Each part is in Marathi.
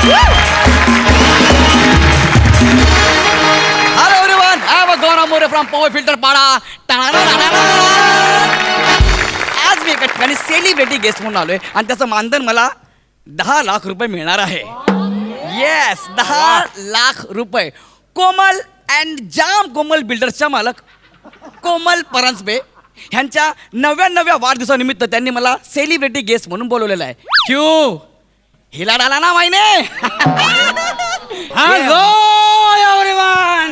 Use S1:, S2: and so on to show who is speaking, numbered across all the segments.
S1: Hello everyone, I am Gaurav More from Power Filter Pada. आज मी एका ठिकाणी सेलिब्रिटी गेस्ट म्हणून आलोय आणि त्याचं मानधन मला 10 लाख रुपये मिळणार आहे. येस, 10 लाख रुपये. कोमल अँड जाम कोमल बिल्डर्सच्या मालक कोमल परांजपे ह्यांच्या 99व्या वाढदिवसानिमित्त त्यांनी मला सेलिब्रिटी गेस्ट म्हणून बोलवलेलं आहे. क्यू हिला डाला ना माहिने.
S2: Hello everyone.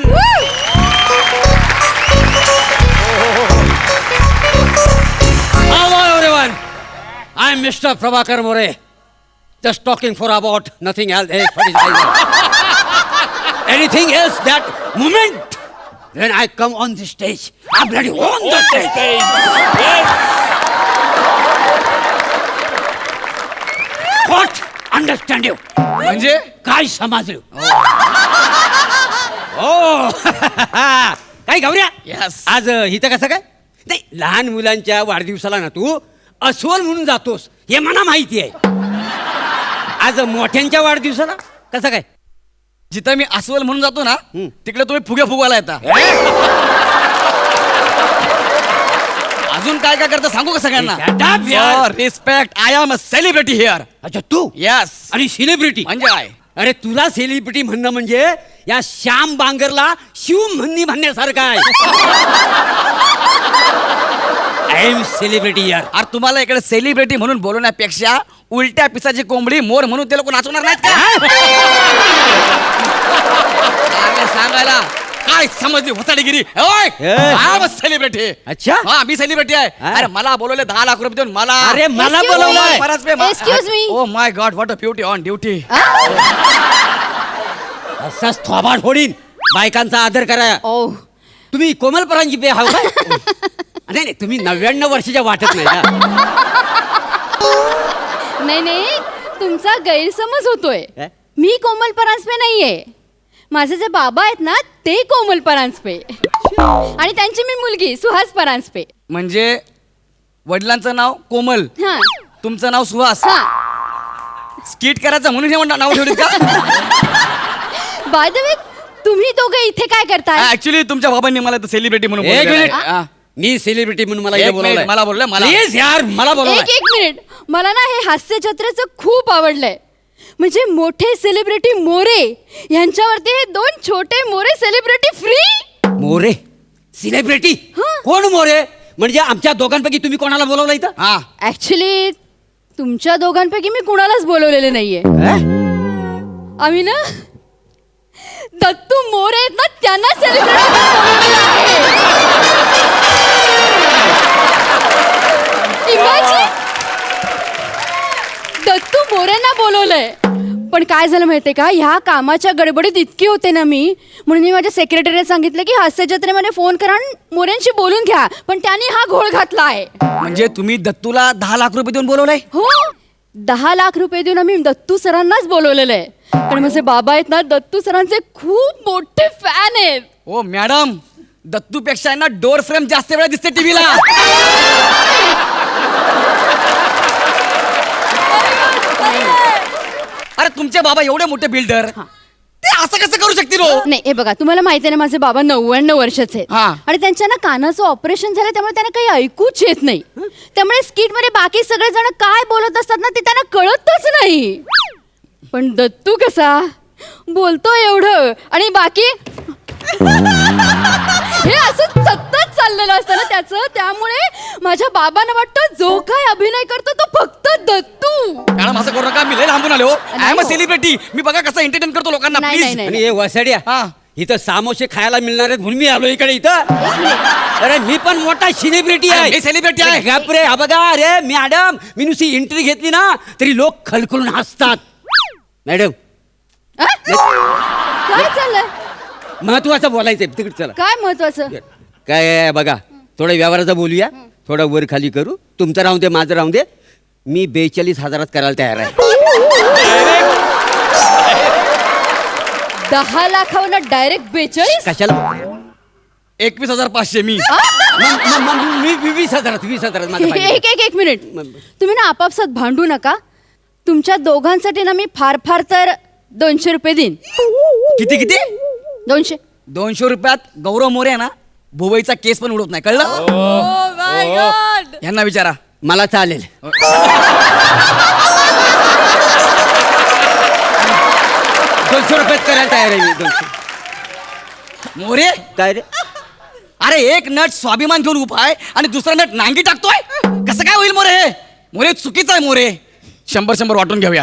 S2: Hello everyone. I'm Mr. Prabhakar More. Just talking for about nothing else. Anything else that moment when I come on the stage, I'm ready on the stage. What? Understand you?
S1: म्हणजे
S2: काय समजलं? ओ काय गौऱ्या?
S1: Yes.
S2: आज इथं कसं काय? नाही, लहान मुलांच्या वाढदिवसाला ना तू अस्वल म्हणून जातोस हे मला माहिती आहे. आज मोठ्यांच्या वाढदिवसाला कसं काय?
S1: जिथं मी अस्वल म्हणून जातो ना तिकडे तुम्ही फुगे फुगवायला येता. अजून काय काय करता सांगू का सगळ्यांना? Respect, I am a celebrity here.
S2: अच्छा तू?
S1: यस.
S2: आणि सेलिब्रिटी
S1: म्हणजे काय?
S2: अरे तुला सेलिब्रिटी म्हणणं म्हणजे या श्याम बांगरला शिव म्हणण्यासारखं आहे. आय एम सेलिब्रिटी यार.
S1: अरे तुम्हाला इकडे सेलिब्रिटी म्हणून बोलवण्यापेक्षा उलट्या पिसाची कोंबडी मोर म्हणून ते लोक नाचवणार नाहीत का? सांगायला काय समजली होताडीगिरी? सेलिब्रिटी.
S2: अच्छा.
S1: हा मी सेलिब्रिटी आहे. अरे मला बोलवले 10 लाख रुपये देऊन मला.
S2: अरे मला बोलवलंय.
S3: Excuse me.
S1: Oh my god, what a beauty on duty.
S2: असाच थोबाड फोडीन. बायकांचा आदर करा.
S3: ओ
S2: तुम्ही कोमल परांजपे हाव काय? नाही नाही, तुम्ही 99 वर्षाच्या वाटत नाही का?
S3: नाही तुमचा गैरसमज होतोय.
S2: काय?
S3: मी कोमल परांजपे नाहीये. माझे जे बाबा आहेत ना ते कोमल परांजपे आणि त्यांची मी मुलगी सुहास परांजपे.
S1: म्हणजे वडिलांचं नाव कोमल,
S3: हा
S1: तुमचं नाव सुहास.
S3: हा.
S1: स्किट करायचं म्हणून हे नाव ठेवलीत का?
S3: बाय द वे तुम्ही दोघे इथे काय करताय?
S1: ऍक्च्युली तुमच्या बाबांनी मला सेलिब्रिटी म्हणून
S2: एक
S1: बोलवलेलं
S2: मिनिट.
S1: आहे. हा.
S2: मी सेलिब्रिटी म्हणून मला
S1: एक
S2: इथे
S1: मिनिट,
S2: बोलवलंय.
S1: मला बोललं मला.
S2: प्लीज यार मला बोलवलंय.
S3: एक मिनिट. मला ना हे हास्य जत्रेचं खूप आवडलंय. म्हणजे मोठे सेलिब्रिटी मोरे यांच्यावरती हे 2 छोटे More celebrity free.
S2: More celebrity?
S3: हा.
S2: कोण मोरे? म्हणजे आमच्या दोघांपैकी तुम्ही कोणाला बोलवलं इथं?
S1: हा.
S3: ऍक्च्युली तुमच्या दोघांपैकी मी कुणालाच बोलवलेले नाहीये. आम्ही ना दत्तू मोरे आहेत ना त्यांना सेलिब्रिटी बोलवलेलं आहे. Imagine! दत्तू मोरेंना बोलवलंय. पण काय झालं माहितीये का, ह्या कामाच्या गडबडीत इतकी होते ना मी, म्हणून मी माझ्या सेक्रेटरीला सांगितलं की हास्य जत्रेमध्ये फोन करा आणि मोरेंशी बोलून घ्या. पण त्यांनी हा घोळ घातला आहे.
S1: म्हणजे तुम्ही दत्तूला 10 लाख रुपये देऊन बोलवलंय?
S3: हो, 10 लाख रुपये देऊन आम्ही दत्तू सरांनाच बोलवलेलं आहे. पण माझे बाबा आहेत ना दत्तू सरांचे खूप मोठे फॅन आहेत.
S1: ओ मॅडम, दत्तू पेक्षा ना डोर फ्रेम जास्त वेळा दिसते टीव्हीला. अरे तुमचे बाबा एवढे मोठे बिल्डर, ते असं कसं करू शकतील?
S3: नाही हे बघा, तुम्हाला माहिती आहे ना माझे बाबा 99 वर्षाचे आहेत.
S1: हा.
S3: आणि त्यांच्या ना कानाचं ऑपरेशन झालं, त्यामुळे त्यांना काही ऐकूच येत नाही. त्यामुळे स्किट मध्ये बाकी सगळे जण काय बोलत असतात ना ते त्यांना कळतच नाही. पण दत्तू कसा बोलतो एवढं आणि बाकी हे असं सतत चाललेलं असतं ना त्याचं. त्यामुळे माझ्या बाबांना वाटतं जो काय अभिनय करतो तो फक्त दत्तू.
S1: मॅडम असं करू नका, मी लय लांबून आलो. I am a celebrity. मी बघा कसं एंटरटेन करतो लोकांना.
S3: नाही,
S1: प्लीज.
S3: नाही,
S2: आणि हे वसाड्या
S1: हा.
S2: इथं सामोसे खायला मिळणार आहेत म्हणून मी आलो इकडे इथं. अरे मी पण मोठा सेलिब्रिटी आहे.
S1: मी सेलिब्रिटी आहे.
S2: बापरे, हा बघा. अरे मॅडम, मी नुसती एंट्री घेतली ना तरी लोक खलखलून हसतात. मॅडम
S3: काय चाललंय?
S2: महत्वाचं बोलायचंय, तिकडे चला.
S3: काय महत्वाचं?
S2: काय आहे बघा, थोडं व्यवहाराचं बोलूया, थोडं वर खाली करू. तुमचं राहून दे, माझं राहून दे. मी 42,000 करायला तयार आहे.
S3: 10 लाखावर डायरेक्ट 42?
S2: कशाला?
S1: 21,500 मी.
S2: मी 20,000 माझं पाहिजे.
S3: एक मिनिट. तुम्ही ना आपापसात भांडू नका. तुमच्या दोघांसाठी ना मी फार फार तर 200 रुपये देईन.
S1: किती किती?
S3: 200.
S1: 200 रुपयात गौरव मोरे आहे ना भुवईचा केस पण उडवत नाही, कळलं? यांना विचारा.
S2: मला चालेल. 200 रुपयात करायला तयार आहे मी. 200.
S1: मोरे,
S2: काय रे?
S1: अरे एक नट स्वाभिमान घेऊन उभा आहे आणि दुसरा नट नांगी टाकतोय. कसं काय होईल मोरे? हे मोरे चुकीचं आहे मोरे. 100 वाटून घेऊया.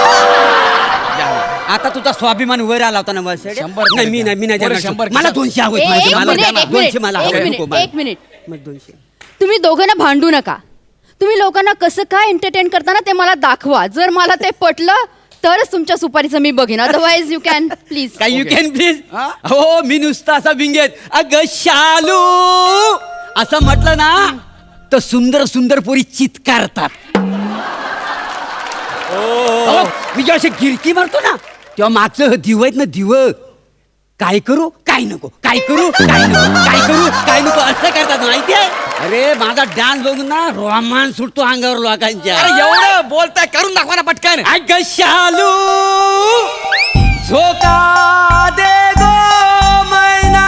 S2: आता तुझा स्वाभिमान वर आला होता ना बस.
S1: 100
S2: नाही मी नाही
S1: मोरे,
S2: देणार.
S1: 100.
S2: मला 200 हवेत.
S3: एक
S2: मला
S3: मिनिट, एक
S2: 200 मला
S3: मिनिट,
S2: हवे.
S3: एक
S2: नको
S3: मिनिट,
S2: मला.
S3: एक मिनिट.
S2: मग 200.
S3: तुम्ही दोघांना भांडू नका. तुम्ही लोकांना कसं काय एंटरटेन करताना ते मला दाखवा. जर मला ते पटलं तरच तुमच्या सुपारीचं मी बघेन. Otherwise you can please.
S2: काय यू कॅन प्लीज.
S1: हा?
S2: हो मी नुसता असा विंगेत अग शालू असं म्हटलं ना तर सुंदर सुंदर पोरी चित्कारतात. अहो, मी जेव्हा अशी गिरकी मारतो ना तेव्हा मागचं दिव आहेत ना दिव, काय करू काय नको, काय करू काय नको, काय करू काय नको असं करतात माहितीये. अरे माझा डान्स बघून ना रोमांस सुटतो अंगावर लोकांच्या.
S1: अरे एवढं बोलताय, करून दाखवा ना पटकन.
S2: अग शालू झोका दे गो मैना,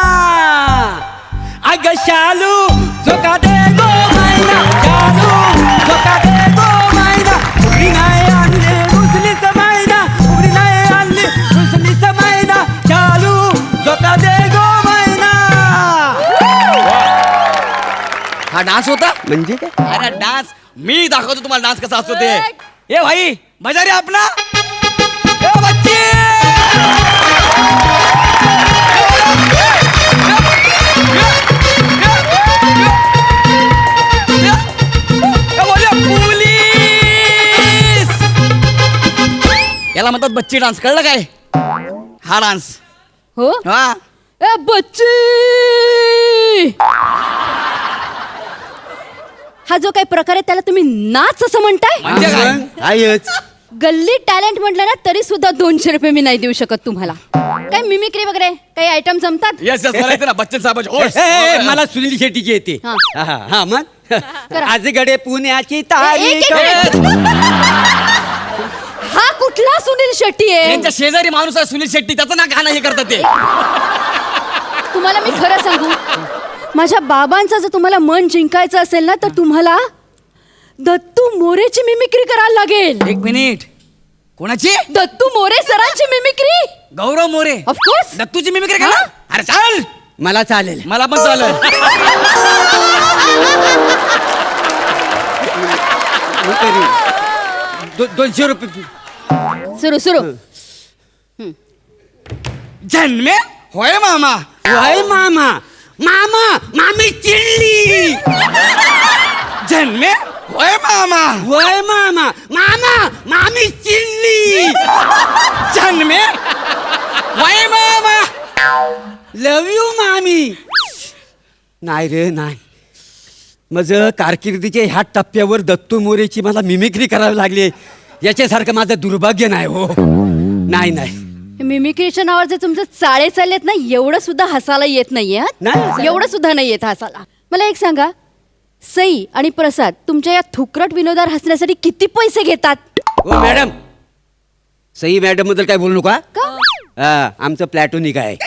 S2: अग शालू झोका दे गो मैना, शालू झोका दे गो मैना, उघडी नाही आणली रुसलीच मैना, उघडी नाही आणली रुसलीच मैना, शालू झोका दे गो मैना.
S1: हा डान्स होता
S2: म्हणजे काय?
S1: अरे डान्स मी दाखवतो तुम्हाला डान्स कसा असतो ते. ए भाई बजा रे आपला. ए बच्चे पोलीस याला म्हणतात बच्ची डान्स, कळलं काय? हा डान्स.
S3: हो
S1: हा
S3: ए बच्ची, हा जो काही प्रकार आहे त्याला तुम्ही नाच असं म्हणताय?
S1: म्हणजे काय?
S2: आहेच.
S3: गल्ली टॅलेंट म्हटलं ना तरी सुद्धा 200 रुपये मी नाही देऊ शकत तुम्हाला. काय मिमिक्री वगैरे काही आयटम जमतात?
S1: येस येस, मला येते ना बच्चन साहेबाची ओढ.
S2: मला सुनील शेट्टीची येते.
S3: हा.
S2: हा मग
S3: करा.
S2: आजगडे पुण्याची
S3: एक-
S2: तारीख.
S3: एक मिनिट. हा कुठला सुनील शेट्टी आहे?
S1: यांच्या शेजारी माणूस आहे सुनील शेट्टी, त्याचं ना गाणं हे करतात ते.
S3: तुम्हाला मी खरं सांगू, माझ्या बाबांचं जर तुम्हाला मन जिंकायचं असेल ना तर तुम्हाला दत्तू मोरेची मिमिक्री करायला लागेल.
S1: एक मिनिट, कोणाची?
S3: दत्तू मोरे सरांची मिमिक्री.
S1: गौरव मोरे
S3: ऑफकोर्स.
S1: दत्तूची मिमिक्री का? अरे चाल,
S2: मला चालेल.
S1: मला पण चालेल.
S2: मी करीन. 200 रुपये.
S3: सुरू सुरू.
S1: जन्मे होय मामा,
S2: वय मामा, मामा मामी चिडली.
S1: जन्मे होय मामा,
S2: वय मामा, मामा मामी चिडली.
S1: जन्मे होय मामा.
S2: लव यू मामी. नाही रे नाही, माझं कारकिर्दीच्या ह्या टप्प्यावर दत्तू मोरेची मला मिमिक्री करावी लागली याच्यासारखं माझं दुर्भाग्य नाही. हो नाही नाही.
S3: मिमिक्रीच्या नावावर जे तुमचे चाळे चाललेत ना एवढं सुद्धा हसायला येत नाहीये.
S2: नाही.
S3: एवढं सुद्धा नाही येत हसायला. मला एक सांगा, सई आणि प्रसाद तुमच्या या थुकरट विनोदावर हसण्यासाठी किती पैसे घेतात?
S2: हो मॅडम, सई मॅडम बद्दल काय बोलू नका.
S3: का?
S2: आमचं प्लॅटोनिक आहे.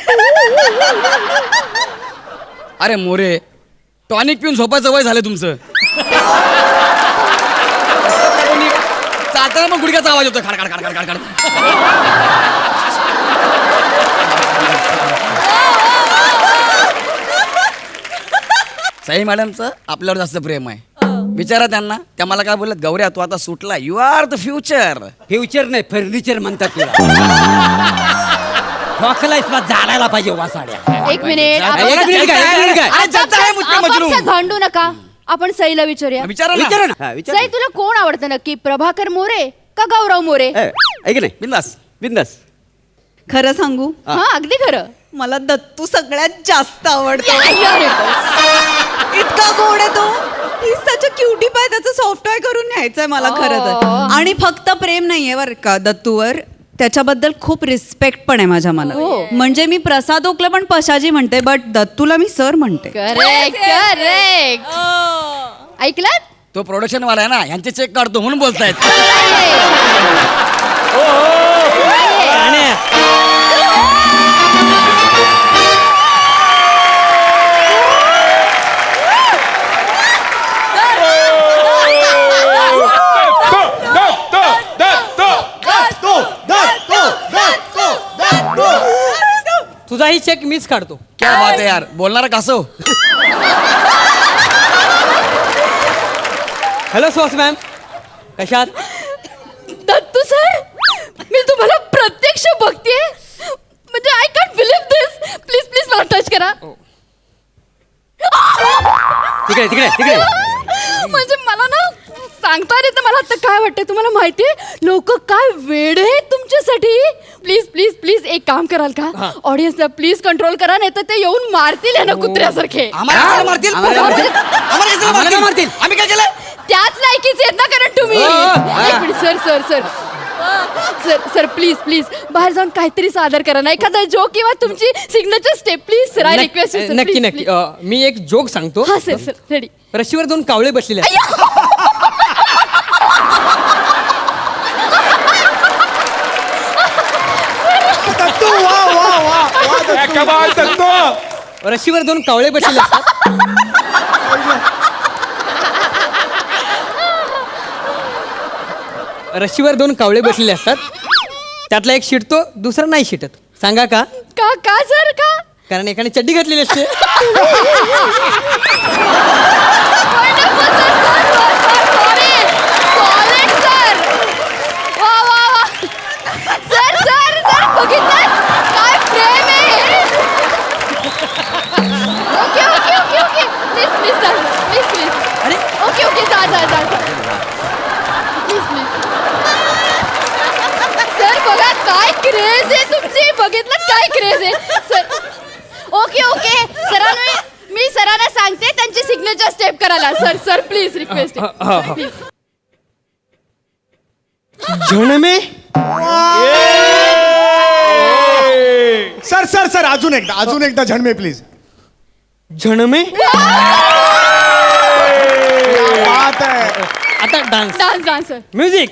S1: अरे मोरे, टॉनिक पिऊन झोपायचं वय झालं तुमचं. चालताना मग गुडघ्याचा आवाज होतो, खाड खाड खाड खाड खाड. साई मॅडमचं आपल्यावर जास्त प्रेम आहे. विचारा त्यांना, त्या मला काय बोलत, गौऱ्या तू आता सुटला, you are the future.
S2: Future नाही फर्निचर म्हणतात तुला. ठोकलायस मग जाळायला पाहिजे वासाड्या.
S3: एक मिनिट,
S1: एक
S3: आपापसात-
S2: मिनिट काय, एक मिनिट काय?
S1: अरे जनता आहे मुझे मजनू.
S3: आपापसात भांडू नका. आपण सईला विचारूया.
S1: विचारा
S2: विचारा
S1: ना,
S2: ना. हा, विचारा
S3: सई
S2: ना.
S3: तुला कोण आवडतं नक्की, प्रभाकर मोरे का गौरव मोरे?
S2: ऐक नाही
S1: बिंदास.
S2: बिंदास.
S4: खरं सांगू,
S3: हा अगदी खरं.
S4: मला दत्तू सगळ्यात जास्त आवडतो.
S3: You're it.
S4: इतका गोड आहे तो. ही सच क्युटी पाय, त्याचं सॉफ्टवेअर करून न्यायचंय मला खरं तर. आणि फक्त प्रेम नाहीये बरं का दत्तूवर, त्याच्याबद्दल खूप रिस्पेक्ट पण आहे माझ्या मनात.
S3: हो.
S4: म्हणजे मी प्रसाद ओकला पण पशाजी म्हणते, बट दत्तूला मी सर म्हणते.
S3: Correct correct. ऐकलात?
S1: तो प्रोडक्शन वाला आहे ना, यांचे चेक काढतो म्हणून बोलतायत.
S2: तुझाही चेक मीच काढतो.
S1: क्या बात आहे यार, बोलणारा कासव.
S2: हॅलो सुहास मॅम, कशात?
S3: दत्तू सर, मी तुम्हाला प्रत्यक्ष बघतेय, म्हणजे I can't believe this. Please please मला टच करा.
S2: तिकडे तिकडे तिकडे.
S3: म्हणजे मला ना सांगता येत नाही. मला आता काय वाटतंय तुम्हाला माहितीये, लोक काय वेड आहेत तुमच्यासाठी. प्लीज प्लीज प्लीज एक काम कराल का, ऑडियन्सला प्लीज कंट्रोल करा, नाही तर ते येऊन मारतील ना कुत्र्यासारखे.
S1: आम्हाला कशाला मारतील?
S2: आम्हाला मारतील?
S1: आम्हाला कशाला
S2: आम्हाला का मारतील?
S1: आम्ही काय केलं?
S3: त्याच लायकीचे आहेत ना, कारण तुम्ही. एक minute sir sir sir sir sir please please बाहेर जाऊन काहीतरी सादर करा ना, एखादा जोक किंवा तुमची signature step please sir. I request you sir.
S2: नक्की नक्की. मी एक जोक सांगतो.
S3: हा सर सर रेडी.
S2: रशीवर 2 कावळे बसलेले आहेत. रशीवर 2 कावळे बसलेले असतात. रशीवर 2 कावळे बसलेले असतात. त्यातला एक शिटतो, दुसरा नाही शिटत. सांगा का?
S3: का का सर का?
S2: कारण एकाने चड्डी घातलेली असते.
S3: क्रेज आहे तुमची, बघितलं काय क्रेज आहे सर. ओके ओके सरांना मी सरांना सांगते त्यांची सिग्नेचर स्टेप करायला. Sir sir please request.
S2: झणमे.
S5: सर सर सर अजून एकदा झणमे प्लीज.
S2: झणमे.
S5: बात आहे.
S2: आता dance.
S3: Dance dance sir.
S2: Music.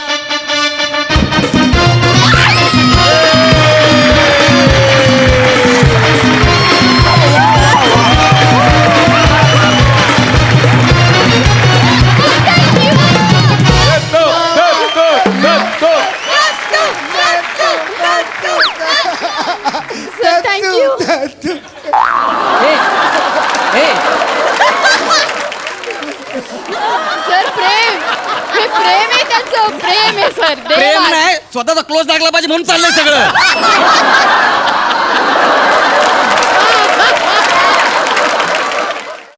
S3: Sir प्रेम, हे प्रेम आहे त्यांचं, प्रेम आहे सर.
S1: प्रेम नाही, स्वतःचा क्लोज टाकला पाहिजे म्हणून चाललंय सगळं.